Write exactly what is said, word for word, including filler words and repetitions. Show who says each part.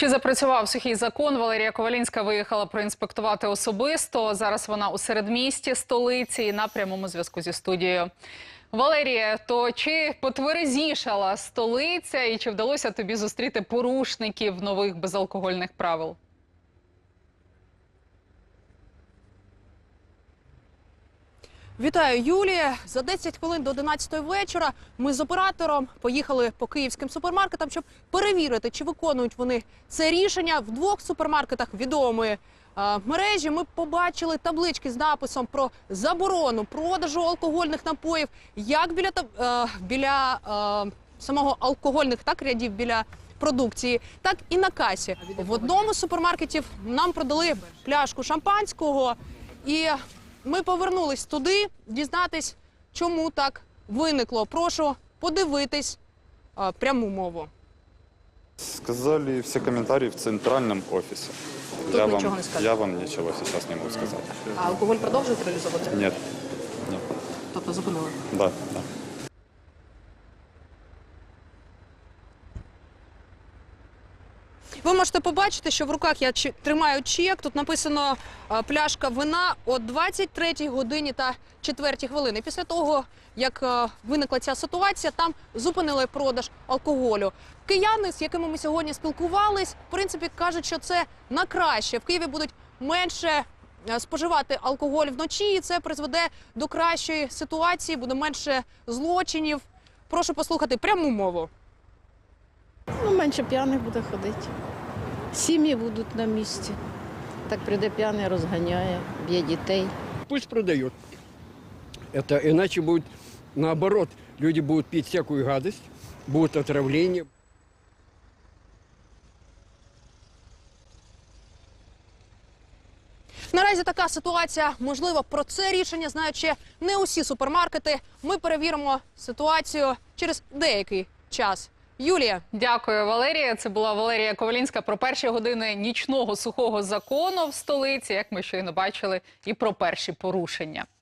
Speaker 1: Чи запрацював сухий закон? Валерія Ковалінська виїхала проінспектувати особисто. Зараз вона у середмісті столиці і на прямому зв'язку зі студією. Валерія, то чи потверезішала столиця і чи вдалося тобі зустріти порушників нових безалкогольних правил?
Speaker 2: Вітаю, Юлія. За десять хвилин до одинадцятої вечора ми з оператором поїхали по київським супермаркетам, щоб перевірити, чи виконують вони це рішення. В двох супермаркетах відомої е, мережі ми побачили таблички з написом про заборону продажу алкогольних напоїв, як біля, е, біля е, самого алкогольних так рядів, біля продукції, так і на касі. В одному з супермаркетів нам продали пляшку шампанського і ми повернулись туди, дізнатись, чому так виникло. Прошу подивитись а, пряму мову.
Speaker 3: Сказали все комментарии в центральном офисе.
Speaker 2: Тут
Speaker 3: я,
Speaker 2: ничего
Speaker 3: вам,
Speaker 2: не сказали?
Speaker 3: я вам ничего сейчас не могу сказать.
Speaker 2: А алкоголь продовжують реалізовувати?
Speaker 3: Нет. Нет.
Speaker 2: Тобто зупинили?
Speaker 3: Да, да.
Speaker 2: Ви можете побачити, що в руках я тримаю чек. Тут написано а, пляшка вина о двадцять третій годині та четвертій хвилини. Після того, як а, виникла ця ситуація, там зупинили продаж алкоголю. Кияни, з якими ми сьогодні спілкувались, в принципі, кажуть, що це на краще. В Києві будуть менше а, споживати алкоголь вночі, і це призведе до кращої ситуації, буде менше злочинів. Прошу послухати пряму мову.
Speaker 4: Ну, менше п'яних буде ходити. Сім'ї будуть на місці. Так прийде п'яний, розганяє, б'є дітей.
Speaker 5: Пусть продает. Это иначе будет наоборот. Люди будут пить всякую гадость, будут отравления.
Speaker 2: Наразі така ситуація. Можливо, про це рішення знають ще не усі супермаркети. Ми перевіримо ситуацію через деякий час. Юлія.
Speaker 1: Дякую, Валерія. Це була Валерія Ковалінська про перші години нічного сухого закону в столиці, як ми щойно бачили, і про перші порушення.